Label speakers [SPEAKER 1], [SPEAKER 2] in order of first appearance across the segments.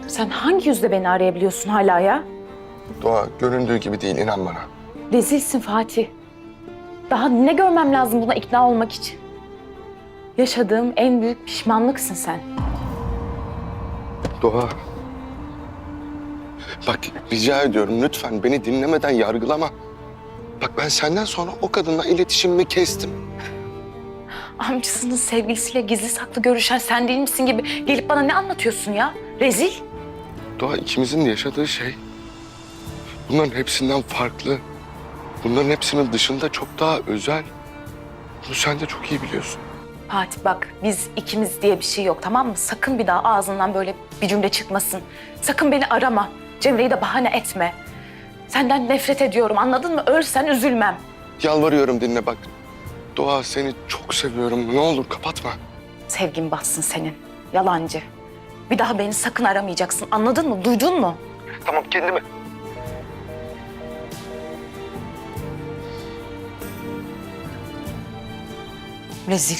[SPEAKER 1] Sen hangi yüzle beni arayabiliyorsun hala ya?
[SPEAKER 2] Doğa göründüğü gibi değil, inan bana.
[SPEAKER 1] Rezilsin Fatih. Daha ne görmem lazım buna ikna olmak için? Yaşadığım en büyük pişmanlıksın sen.
[SPEAKER 2] Doğa. Bak rica ediyorum lütfen beni dinlemeden yargılama. Bak ben senden sonra o kadınla iletişimimi kestim.
[SPEAKER 1] Amcasının sevgilisiyle gizli saklı görüşen sen değil misin gibi gelip bana ne anlatıyorsun ya? Rezil.
[SPEAKER 2] Doğa ikimizin de yaşadığı şey bunların hepsinden farklı. Bunların hepsinin dışında çok daha özel. Bunu sen de çok iyi biliyorsun.
[SPEAKER 1] Fatih bak biz ikimiz diye bir şey yok tamam mı? Sakın bir daha ağzından böyle bir cümle çıkmasın. Sakın beni arama. Cemre'yi de bahane etme. Senden nefret ediyorum anladın mı? Ölsen üzülmem.
[SPEAKER 2] Yalvarıyorum dinle bak. Doğa seni çok seviyorum. Ne olur kapatma.
[SPEAKER 1] Sevgin batsın senin. Yalancı. Bir daha beni sakın aramayacaksın anladın mı? Duydun mu?
[SPEAKER 2] Tamam kendimi...
[SPEAKER 1] Rezil.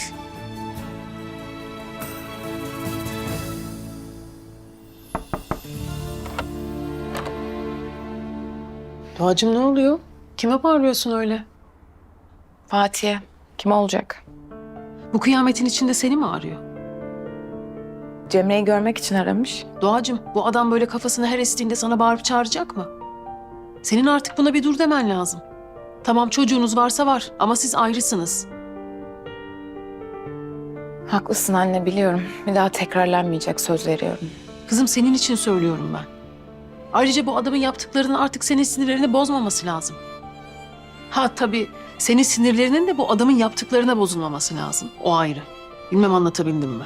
[SPEAKER 3] Doğacığım ne oluyor? Kime bağırıyorsun öyle?
[SPEAKER 1] Fatih'e kim olacak?
[SPEAKER 3] Bu kıyametin içinde seni mi arıyor?
[SPEAKER 1] Cemre'yi görmek için aramış.
[SPEAKER 3] Doğacığım bu adam böyle kafasını her estiğinde sana bağırıp çağıracak mı? Senin artık buna bir dur demen lazım. Tamam çocuğunuz varsa var ama siz ayrısınız.
[SPEAKER 1] Haklısın anne biliyorum. Bir daha tekrarlanmayacak söz veriyorum.
[SPEAKER 3] Kızım senin için söylüyorum ben. Ayrıca bu adamın yaptıklarının artık senin sinirlerini bozmaması lazım. Ha tabii senin sinirlerinin de bu adamın yaptıklarına bozulmaması lazım. O ayrı. Bilmem anlatabildim mi?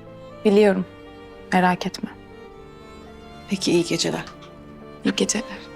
[SPEAKER 1] Biliyorum. Merak etme.
[SPEAKER 3] Peki iyi geceler.
[SPEAKER 1] İyi geceler.